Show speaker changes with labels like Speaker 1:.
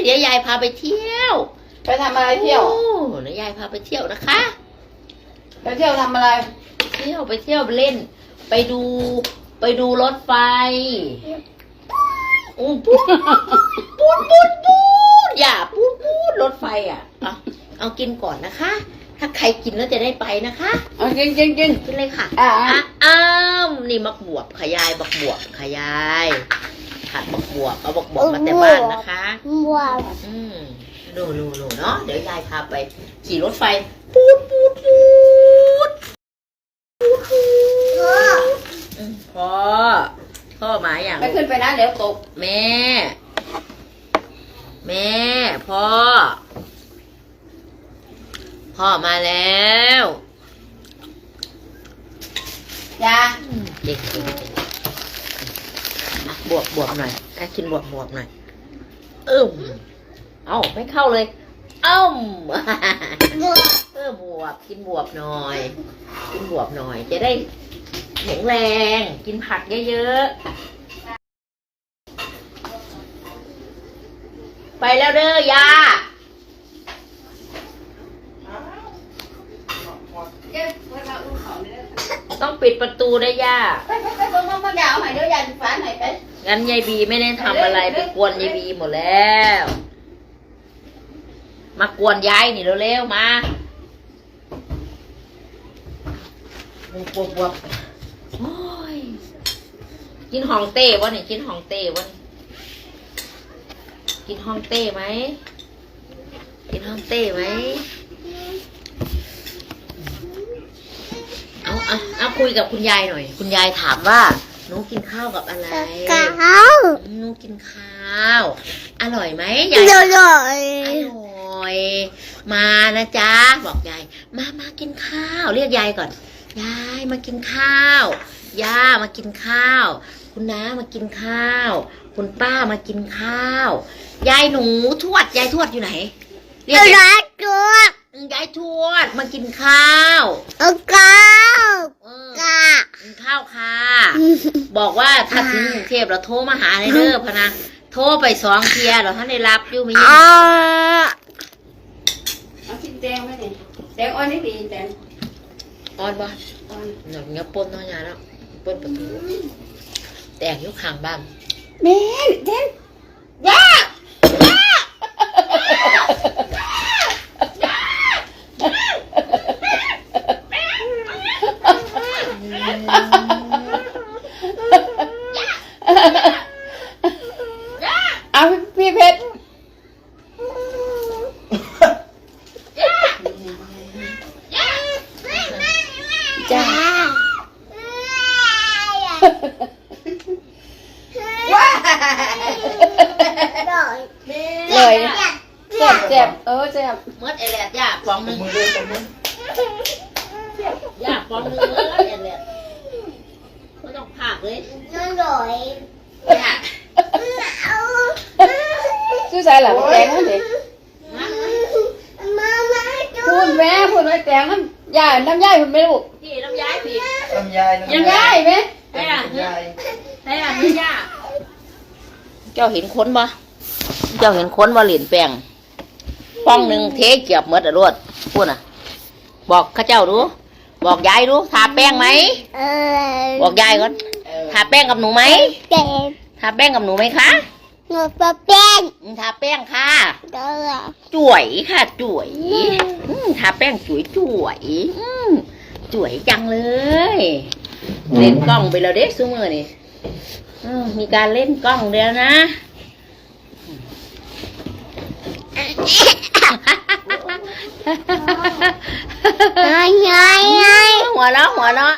Speaker 1: ดี๋ยวยายพาไปเที่ยว
Speaker 2: ไปทำอะไรเที่ยว
Speaker 1: เดี๋ยวยายพาไปเที่ยวนะคะ
Speaker 2: ไปเที่ยวทำอะไร
Speaker 1: ไปเที่ยวไปเล่น ไปดูรถไฟปูดอย่าปูดรถไฟเอากินก่อนนะคะ ถ้าใครกินแล้วจะได้ไปนะคะ
Speaker 2: เอากิน
Speaker 1: กินเลยค่ะนี่มักบวบขยายบักบวบขยายผัดบักบวบเอาบักบวบมาแต่บ้านนะคะดูเนาะเดี๋ยวยายพาไปขี่รถไฟปูดพ่อมาอย่าง
Speaker 2: ไม่ขึ้นไปนะเดี๋ยวตก
Speaker 1: แม่พ่อมาแล้ว
Speaker 2: ยา
Speaker 1: เด็กบวบหน่อยกินบวบหน่อยไม่เข้าเลยบวบกินบวบหน่อยจะได้แข็งแรงกินผักเยอะๆไปแล้วเด้อยาต้องปิดประตูได้ย่า
Speaker 2: ไปมาดาวหน่อยเดี๋ยวยายฟ้าหน่อยไป
Speaker 1: งั้นยายบีไม่ได้ทำอะไรไปกวนยายบีหมดแล้วมากวนยายนี่เร็วๆมาบวบโอ้ยกินฮองเต้วะนี่กินฮองเต้วะนี่กินฮองเต้ไหมเอาคุยกับคุณยายหน่อยคุณยายถามว่าหนูกินข้าวกับอะไรหนูกินข้าวอร่อยไหมยายอร่อยมานะจ๊ะบอกยายมากินข้าวเรียกยายก่อนยายมากินข้าวย่ามากินข้าวคุณน้ามากินข้าวคุณป้ามากินข้าวยายหนูทวดยายทวดอยู่ไหนเรียกยายทวดมากินข้าวกินข้าวค่ะบอกว่าถ้าถึงกรุงเทพเราโทรมาหาเลยเด้อพะนะโทรไป2 เที่ยเราท่านได้รับอยู่ไม่ยัง
Speaker 2: เอากินแตงไหมเนี่ยแตงอ่อนนี่ดีแตง
Speaker 1: อ่อนบ่หนังเงี้ยปนน้อยแล้วปนประตูแตกยุคข้างบ้าน
Speaker 2: เด่นย่าเอาพี่เพชรจ้าเลยเจ็บเจ็บ
Speaker 1: เมื่อเอเลียดย่าฟองนึงย่าฟองนึงเมื่อเอเลียดไม่ต้องพากเลยย่า
Speaker 2: ชื่อใจเหรอแตงนั่นเองพูดแม่พูดไว้แตงน้ำยายคุณไม่รู้
Speaker 1: พี่น้ำย้ายพี่
Speaker 2: น้ำยายไหม
Speaker 1: ใช่ย่าเจ้าเห็นค้นบ่เหรียญแป้งป้องหนึ่งเทเกียบเมดรวดพูดบอกข้าเจ้าดูบอกยายดูทาแป้งไหมบอกยายก่อนทาแป้งกับหนูไหมทาแป้งกับหนูไหมคะ
Speaker 3: หนูทาแป้ง
Speaker 1: ค่ะจุ๋ยค่ะจุ๋ยทาแป้งจุ๋ยจังเลยเล่นกล้องไปแล้วเด็กซูเมอร์นี่มีการเล่นกล้องเดียวนะหัวเราะ